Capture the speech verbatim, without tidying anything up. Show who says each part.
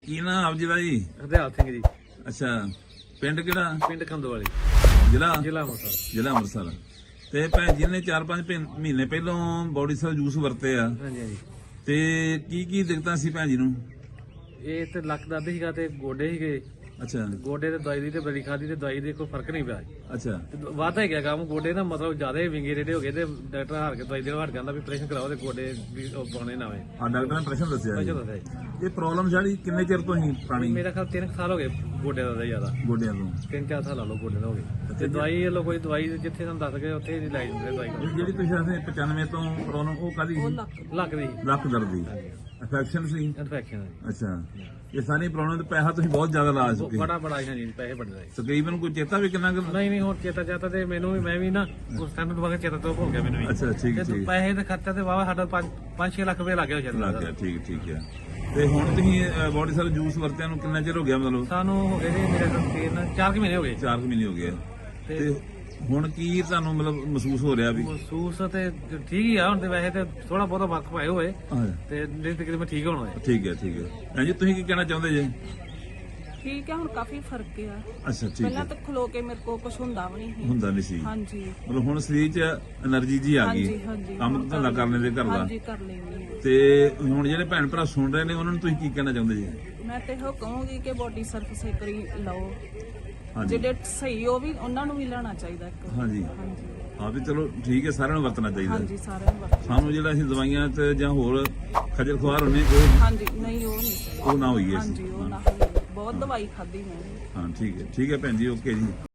Speaker 1: ਕੀ ਨਾਮ ਆਪ ਜੀ ਦਾ ਜੀ?
Speaker 2: ਹਰਦਿਆਲ ਸਿੰਘ ਜੀ।
Speaker 1: ਅੱਛਾ, ਪਿੰਡ ਕਿਹੜਾ?
Speaker 2: ਪਿੰਡ ਕੰਦੋਵਾਲੀ,
Speaker 1: ਜ਼ਿਲ੍ਹਾ
Speaker 2: ਜ਼ਿਲ੍ਹਾ ਅੰਮ੍ਰਿਤਸਰ।
Speaker 1: ਜ਼ਿਲ੍ਹਾ ਅੰਮ੍ਰਿਤਸਰ। ਤੇ ਭੈਣ ਜੀ ਨੇ ਚਾਰ ਪੰਜ ਮਹੀਨੇ ਪਹਿਲਾਂ ਬੋਡੀ ਸੈਲ ਜੂਸ ਵਰਤੇ ਆ,
Speaker 2: ਹਾਂਜੀ ਹਾਂਜੀ।
Speaker 1: ਤੇ ਕੀ ਕੀ ਦਿੱਕਤਾਂ ਸੀ ਭੈਣ ਜੀ ਨੂੰ?
Speaker 2: ਇਹ ਤੇ ਲੱਕ ਦਰਦ ਸੀਗਾ ਤੇ ਗੋਡੇ ਸੀਗੇ।
Speaker 1: ਅੱਛਾ
Speaker 2: ਗੋਡੇ ਤੇ ਦਵਾਈ ਦੀ ਤੇ ਬੜੀ ਖਾਦੀ ਤੇ ਦਵਾਈ ਦੇ ਕੋਈ ਫਰਕ ਨਹੀਂ ਪਿਆ।
Speaker 1: ਅੱਛਾ
Speaker 2: ਤੇ ਵਾਧਾ ਹੀ ਗਿਆ ਕੰਮ, ਗੋਡੇ ਨਾ ਮਤਲਬ ਜ਼ਿਆਦਾ ਹੀ ਵਿੰਗੇ ਰੇਡੇ ਹੋ ਗਏ ਤੇ ਡਾਕਟਰ ਹਾਰ ਕੇ ਦਵਾਈ ਦੇਣੋਂ ਹਟ ਜਾਂਦਾ ਵੀ ਆਪਰੇਸ਼ਨ ਕਰਾਓ ਤੇ ਗੋਡੇ ਵੀ ਉਹ ਪਾਉਣੇ ਨਾ ਹੋਏ।
Speaker 1: ਆ ਡਾਕਟਰ ਨੇ ਪ੍ਰਸ਼ਨ ਦੱਸਿਆ ਜੀ।
Speaker 2: ਅੱਛਾ ਦੱਸਿਆ
Speaker 1: ਇਹ ਪ੍ਰੋਬਲਮ ਸਾਡੀ ਕਿੰਨੇ ਚਿਰ ਤੋਂ ਹੀ ਪੁਰਾਣੀ?
Speaker 2: ਮੇਰਾ ਖਿਆਲ ਤਿੰਨ ਕੁ ਸਾਲ ਹੋ ਗਏ ਗੋਡਿਆਂ ਦਾ ਜ਼ਿਆਦਾ,
Speaker 1: ਗੋਡਿਆਂ ਤੋਂ
Speaker 2: ਤਿੰਨ ਚਾਰ ਸਾਲ ਲਾ ਲਓ ਗੋਡੇ ਦਾ ਹੋ ਗਏ। ਤੇ ਦਵਾਈ ਲੋ ਕੋਈ ਦਵਾਈ ਜਿੱਥੇ ਤੁਹਾਨੂੰ ਦੱਸ ਗਏ ਉੱਥੇ ਹੀ ਲਾਈ ਦਿੰਦੇ ਦਵਾਈ।
Speaker 1: ਇਹ ਜਿਹੜੀ ਤੁਸੀਂ ਆਖਦੇ ਪਚਾਨਵੇਂ ਤੋਂ ਪ੍ਰੋਬਲਮ ਉਹ ਕਾਦੀ ਸੀ?
Speaker 2: ਲੱਕ ਦੀ
Speaker 1: ਲੱਕ ਦਰਦ ਦੀ ਇਨਫੈਕਸ਼ਨ ਸੀ।
Speaker 2: ਇਨਫੈਕਸ਼ਨ
Speaker 1: ਅੱਛਾ, ਇਹ ਸਾਰੀ ਪ੍ਰੋਬਲਮ ਤੇ ਪੈਸਾ ਤੁਸੀਂ ਬਹੁਤ ਜ਼ਿਆਦਾ ਲਾ ਚੁੱਕੇ।
Speaker 2: ਬੜਾ ਬੜਾ ਹਾਂਜੀ ਪੈਸੇ ਬੜੇ
Speaker 1: ਤਕਰੀਬਨ ਕੋਈ ਚੇਤਾ ਵੀ ਕਿੰਨਾ ਕੁ?
Speaker 2: ਨਹੀਂ ਨਹੀਂ ਹੁਣ ਚੇਤਾ ਚਾਤਾ ਤੇ ਮੈਨੂੰ ਵੀ ਮੈਂ ਵੀ ਨਾ ਉਸ ਟਾਈਮ ਤੋਂ ਬਾਅਦ ਚੇਤਾ ਤੋਂ ਭੁੱਲ ਗਿਆ ਮੈਨੂੰ ਵੀ।
Speaker 1: ਅੱਛਾ ਠੀਕ
Speaker 2: ਤੇ
Speaker 1: ਠੀਕ
Speaker 2: ਪੈਸੇ ਦਾ ਖਰਚਾ ਤੇ ਵਾਵਾ ਸਾਡਾ ਪੰਜ ਛੇ ਲੱਖ ਰੁਪਏ ਲੱਗ ਗਿਆ ਸ਼ਾਇਦ।
Speaker 1: ਲੱਗ ਗਿਆ, ਠੀਕ ਠੀਕ ਹੈ। ਤੇ ਹੁਣ ਤੁਸੀਂ ਬੋਡੀ ਸੈਲ ਜੂਸ ਵਰਤਿਆਂ ਨੂੰ ਕਿੰਨਾ ਚਿਰ ਹੋ ਗਿਆ? ਮਤਲਬ
Speaker 2: ਸਾਨੂੰ ਹੋ ਗਏ ਜੀ ਮੇਰੇ ਕੋਲ ਤਿੰਨ ਚਾਰ ਕੁ ਮਹੀਨੇ ਹੋ ਗਏ।
Speaker 1: ਚਾਰ ਕੁ ਮਹੀਨੇ ਹੋ ਗਏ।
Speaker 2: ਤੇ
Speaker 1: ਤੇ ਹੁਣ ਕੀ ਤੁਹਾਨੂੰ ਮਤਲਬ ਮਹਿਸੂਸ ਹੋ ਰਿਹਾ ਵੀ?
Speaker 2: ਮਹਿਸੂਸ ਤੇ ਠੀਕ ਹੀ ਆ ਹੁਣ ਤੇ, ਵੈਸੇ ਤੇ ਥੋੜਾ ਬਹੁਤਾ ਵਕਤ ਪਾਏ ਹੋਏ
Speaker 1: ਹਾਂ,
Speaker 2: ਤੇ ਨਹੀਂ ਤਕਰੀਬਨ ਮੈਂ ਠੀਕ ਹੋਣਾ ਹੈ।
Speaker 1: ਠੀਕ ਹੈ ਠੀਕ ਹੈ। ਹਾਂਜੀ ਤੁਸੀਂ ਕੀ ਕਹਿਣਾ ਚਾਹੁੰਦੇ ਜੀ?
Speaker 3: ਠੀਕ ਹੈ, ਹੁਣ ਕਾਫੀ ਫਰਕ ਆ।
Speaker 1: ਅੱਛਾ ਠੀਕ
Speaker 3: ਪਹਿਲਾਂ
Speaker 1: ਹੈ।
Speaker 3: ਤਾਂ ਖਲੋ ਕੇ ਮੇਰੇ ਕੋਲ ਕੁਝ ਹੁੰਦਾ ਵੀ ਨਹੀਂ ਸੀ।
Speaker 1: ਹੁੰਦਾ ਨਹੀਂ ਸੀ,
Speaker 3: ਹਾਂਜੀ
Speaker 1: ਮਤਲਬ ਹੁਣ ਸਰੀਰ 'ਚ એનર્ਜੀ ਜੀ ਆ
Speaker 3: ਹਾਂਜੀ
Speaker 1: ਗਈ
Speaker 3: ਹਾਂਜੀ
Speaker 1: ਕੰਮ ਧੰਦਾ ਕਰਨੇ ਦੇ ਘਰ ਦਾ।
Speaker 3: ਹਾਂਜੀ ਕਰ ਲੈਂਦੀ ਹਾਂ।
Speaker 1: ਤੇ ਹੁਣ ਜਿਹੜੇ ਭੈਣ ਭਰਾ ਸੁਣ ਰਹੇ ਨੇ ਉਹਨਾਂ ਨੂੰ ਤੁਸੀਂ ਕੀ ਕਹਿਣਾ ਚਾਹੁੰਦੇ ਜੀ?
Speaker 3: ਮੈਂ ਤੇ ਇਹੋ ਕਹੂੰਗੀ ਕਿ ਬੋਡੀ ਸਰਫਿਸ ਇੱਕ ਵਾਰੀ ਲਓ,
Speaker 1: ਹਾਂਜੀ
Speaker 3: ਜਿਹੜੇ ਸਹੀ ਉਹ ਵੀ ਉਹਨਾਂ ਨੂੰ ਵੀ ਲੈਣਾ ਚਾਹੀਦਾ ਇੱਕ ਵਾਰੀ।
Speaker 1: ਹਾਂਜੀ
Speaker 3: ਹਾਂਜੀ
Speaker 1: ਹਾਂ, ਵੀ ਚਲੋ ਠੀਕ ਹੈ, ਸਾਰਿਆਂ ਨੂੰ ਵਰਤਣਾ ਚਾਹੀਦਾ।
Speaker 3: ਹਾਂਜੀ ਸਾਰਿਆਂ ਨੂੰ ਵਰਤਣਾ।
Speaker 1: ਸਾਨੂੰ ਜਿਹੜਾ ਅਸੀਂ ਦਵਾਈਆਂ ਤੇ ਜਾਂ ਹੋਰ ਖਜਲ ਖੁਆਰ ਹੁੰਨੇ ਉਹ
Speaker 3: ਹਾਂਜੀ ਨਹੀਂ ਉਹ ਨਹੀਂ
Speaker 1: ਉਹ ਨਾ ਹੋਈਏ
Speaker 3: ਹਾਂਜੀ
Speaker 1: ਅਸੀਂ।
Speaker 3: ਉਹ ਨਾ ਹੋਈ। ਬਹੁਤ ਦਵਾਈ ਖਾਧੀ ਮੈਂ ਵੀ।
Speaker 1: ਹਾਂ ਠੀਕ ਹੈ ਠੀਕ ਹੈ ਭੈਣ ਜੀ, ਓਕੇ ਜੀ।